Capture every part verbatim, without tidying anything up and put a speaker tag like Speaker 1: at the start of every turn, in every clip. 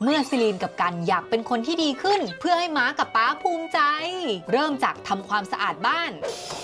Speaker 1: เมื่อซิลีนกับกันอยากเป็นคนที่ดีขึ้นเพื่อให้ม้ากับป๊าภูมิใจเริ่มจากทำความสะอาดบ้าน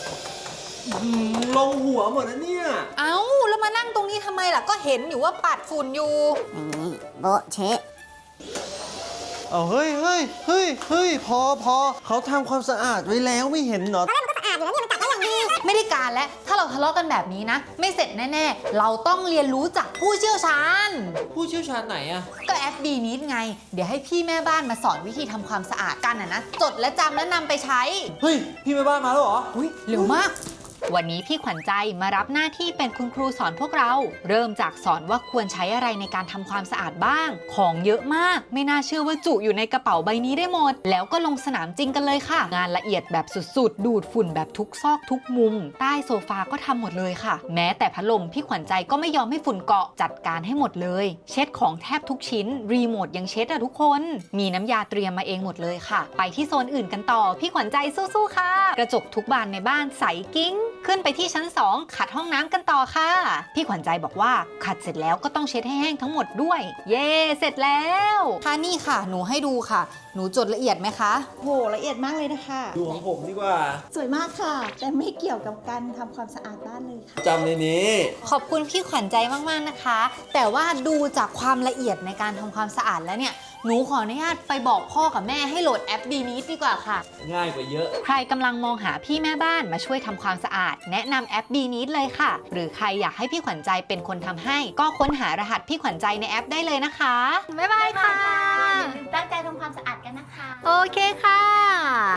Speaker 2: ลงหัวหมดนะเนี่ย
Speaker 1: เอ้าแล้วมานั่งตรงนี้ทำไมล่ะก็เห็นอยู่ว่าปัดฝุ่นอยู่
Speaker 3: นี่โบะเชะ
Speaker 2: เอาเฮ้ยเฮ้ยเฮ้ยเฮ้ยพอพอเขาทำความสะอาดไว้แล้วไม่เห็นเหรอ
Speaker 1: ไม่ได้การแล้วถ้าเราทะเลาะกันแบบนี้นะไม่เสร็จแน่ๆเราต้องเรียนรู้จากผู้เชี่ยวชาญ
Speaker 2: ผู้เชี่ยวชาญไหนอะ
Speaker 1: ก็แอปบีนิดไงเดี๋ยวให้พี่แม่บ้านมาสอนวิธีทำความสะอาดกันนะนะจดและจำและนำไปใช้
Speaker 2: เฮ้ยพี่แม่บ้านมาแล้วเหรอ
Speaker 1: อุ้ยเร็วมากวันนี้พี่ขวัญใจมารับหน้าที่เป็นคุณครูสอนพวกเราเริ่มจากสอนว่าควรใช้อะไรในการทำความสะอาดบ้างของเยอะมากไม่น่าเชื่อว่าจุอยู่ในกระเป๋าใบนี้ได้หมดแล้วก็ลงสนามจริงกันเลยค่ะงานละเอียดแบบสุดๆดูดฝุ่นแบบทุกซอกทุกมุมใต้โซฟาก็ทำหมดเลยค่ะแม้แต่พัดลมพี่ขวัญใจก็ไม่ยอมให้ฝุ่นเกาะจัดการให้หมดเลยเช็ดของแทบทุกชิ้นรีโมทยังเช็ดอะทุกคนมีน้ำยาเตรียมมาเองหมดเลยค่ะไปที่โซนอื่นกันต่อพี่ขวัญใจสู้ๆค่ะกระจกทุกบานในบ้านใสกิ้งขึ้นไปที่ชั้นสองขัดห้องน้ำกันต่อค่ะพี่ขวัญใจบอกว่าขัดเสร็จแล้วก็ต้องเช็ดให้แห้งทั้งหมดด้วยเย่เสร็จแล้วค่ะนี่ค่ะหนูให้ดูค่ะหนูจดละเอียดไหมคะ
Speaker 4: โหละเอียดมากเลยนะคะ
Speaker 2: ดูของผมดีกว่า
Speaker 4: สวยมากค่ะแต่ไม่เกี่ยวกับการทำความสะอาดบ้านเลยค่ะ
Speaker 2: จำในนี้
Speaker 1: ขอบคุณพี่ขวัญใจมากๆนะคะแต่ว่าดูจากความละเอียดในการทำความสะอาดแล้วเนี่ยหนูขออนุญาตไปบอกพ่อกับแม่ให้โหลดแอปบีนิดดีกว่าค่ะ
Speaker 2: ง่ายกว่าเยอะ
Speaker 1: ใครกำลังมองหาพี่แม่บ้านมาช่วยทำความสะอาดแนะนำแอปบีนิดเลยค่ะหรือใครอยากให้พี่ขวัญใจเป็นคนทำให้ก็ค้นหารหัสพี่ขวัญใจในแอปได้เลยนะคะบ๊ายบายค่ะ
Speaker 3: อย่าลืมตั้งใจทำความสะอาดกันนะคะ
Speaker 1: โอเคค่ะ